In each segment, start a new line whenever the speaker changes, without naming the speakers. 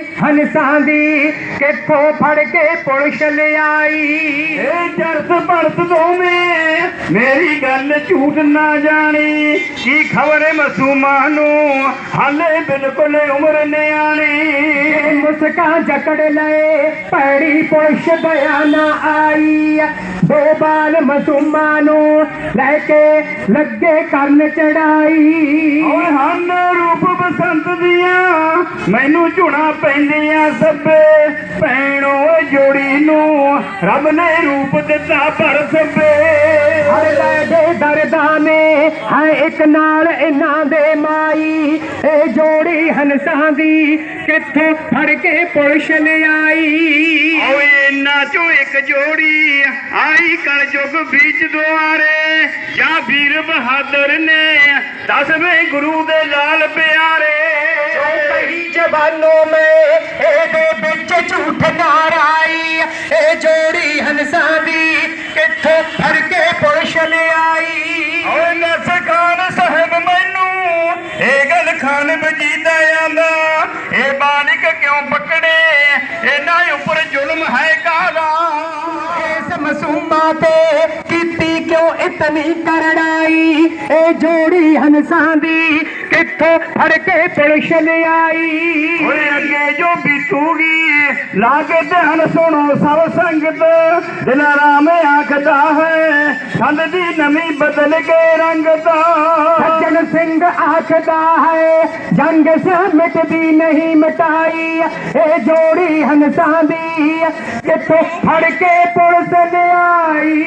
ਹੰਸਾਂ ਦੀ ਕਿੱਥੋਂ ਫੜ ਕੇ ਪੁਲਿਸ ਲਿਆਈ।
ਇਹ ਜਰਸ ਭਰਤ ਦੋਵੇਂ ਮੇਰੀ ਗੱਲ ਝੂਠ ਨਾ ਜਾਣੀ, ਕੀ ਖਬਰ ਮਾਸੂਮਾਂ ਨੂੰ ਹਾਲੇ ਬਿਲਕੁਲ ਉਮਰ ਨਿਆਣੀ।
ਮੁਸਕਾਂ ਜਕੜ ਲਏ ਭੈੜੀ ਪੁਲਿਸ ਦਇਆ ਨਾ ਆਈ, ਦੋ ਬਾਲ ਮਾਸੂਮਾਂ ਨੂੰ ਲੈ ਕੇ ਲੱਗੇ ਕਰਨ ਚੜਾਈ।
ਓਏ ਹਨ ਰੂਪ ਬਸੰਤ ਦੀਆਂ ਮੈਨੂੰ ਝੁਣਾ ਪੈਂਦੀਆਂ ਸਭੇ, ਭੈਣੋ ਜੋੜੀ ਨੂੰ ਰੱਬ ਨੇ ਰੂਪ ਦਿੱਤਾ ਪਰ ਸਭੇ।
ਹਰ ਲੈ ਦੇ ਦਰਦਾਂ ਨੇ ਹੈ ਇੱਕ ਨਾਲ ਇਹਨਾਂ ਦੇ ਮਾਈ, ਇਹ ਜੋੜੀ ਹੰਸਾਂ ਦੀ ਕਿੱਥੋਂ ਫੜ ਕੇ ਪੁਲਿਸ ਲਿਆਈ।
ਓਏ ਇਹਨਾਂ ਚੋਂ ਇੱਕ ਜੋੜੀ ਆਈ ਕਲ ਯੁਗ ਵਿੱਚ ਦੁਆਰੇ, ਜਾਂ ਵੀਰ ਬਹਾਦਰ ਨੇ 10ਵੇਂ ਗੁਰੂ ਦੇ ਲਾਲ ਪਿਆਰੇ।
ਕਈ ਜਵਾਨੋਂ ਮੈਂ ਇਹਦੇ ਵਿੱਚ ਝੂਠ ਨਾਰਾਈ, ਇਹ ਜੋੜੀ ਹੰਸਾਂ ਦੀ ਕਿੱਥੋਂ ਫੜ ਕੇ ਪੁਲਿਸ ਲਿਆਈ।
ਓਏ ਨਸ ਖਾਨ ਸਾਹਿਬ ਮੈਨੂੰ ਇਹ ਗੱਲ ਖਾਨ ਵਜੀਦਾ ਆਂਦਾ, ਇਹ ਬਾਲਿਕ ਕਿਉਂ ਪਕੜੇ ਇਹਨਾਂ ਉੱਪਰ ਜ਼ੁਲਮ ਹੈ ਕਾਹਦਾ।
ਇਸ ਮਾਸੂਮਾਂ ਤੇ ਕੀਤੀ ਕਿਉਂ ਇਤਨੀ ਕਰੜਾਈ, ਇਹ ਜੋੜੀ ਹੰਸਾਂ ਦੀ ਕਿੱਥੋਂ ਫੜ ਕੇ ਪੁਲਿਸ ਲਿਆਈ।
ਓਏ ਅੱਗੇ ਜੋ ਬੀਤੂਗੀ ਲਾ ਕੇ ਧਿਆਨ ਸੁਣੋ ਸਭ ਸੰਗਤ, ਦਿਲਾਰਾਮ ਆਖਦਾ ਹੈ ਸੰਦ ਦੀ ਨਵੀਂ ਬਦਲ ਕੇ ਰੰਗਤਾ।
ਸੱਜਣ ਸਿੰਘ ਆਖਦਾ ਹੈ ਜੰਗ ਸੇ ਮਿਟਦੀ ਨਹੀਂ ਮਿਟਾਈ, ਇਹ ਜੋੜੀ ਹੰਸਾਂ ਦੀ ਕਿੱਥੋਂ ਫੜ ਕੇ ਪੁਲਿਸ ਲਿਆਈ।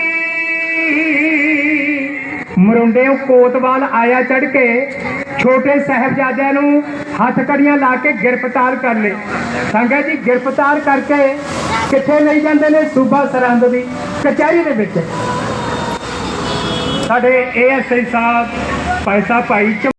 ਮਰੁੰਡਿਓ ਕੋਤਵਾਲ ਆਇਆ ਚੜ ਕੇ ਛੋਟੇ ਸਾਹਿਬਜ਼ਾਦਿਆਂ ਨੂੰ ਹੱਥ ਕੜੀਆਂ ਲਾ ਕੇ ਗ੍ਰਿਫਤਾਰ ਕਰ ਲਏ। ਸੰਗਤ ਜੀ ਗ੍ਰਿਫਤਾਰ ਕਰਕੇ ਕਿੱਥੇ ਲਈ ਜਾਂਦੇ ਨੇ? ਸੂਬਾ ਸਰਹੰਦ ਦੀ ਕਚਹਿਰੀ ਦੇ ਵਿੱਚ। ਸਾਡੇ ASI ਸਾਹਿਬ ਭਾਈ ਸਾਹਿਬ ਭਾਈ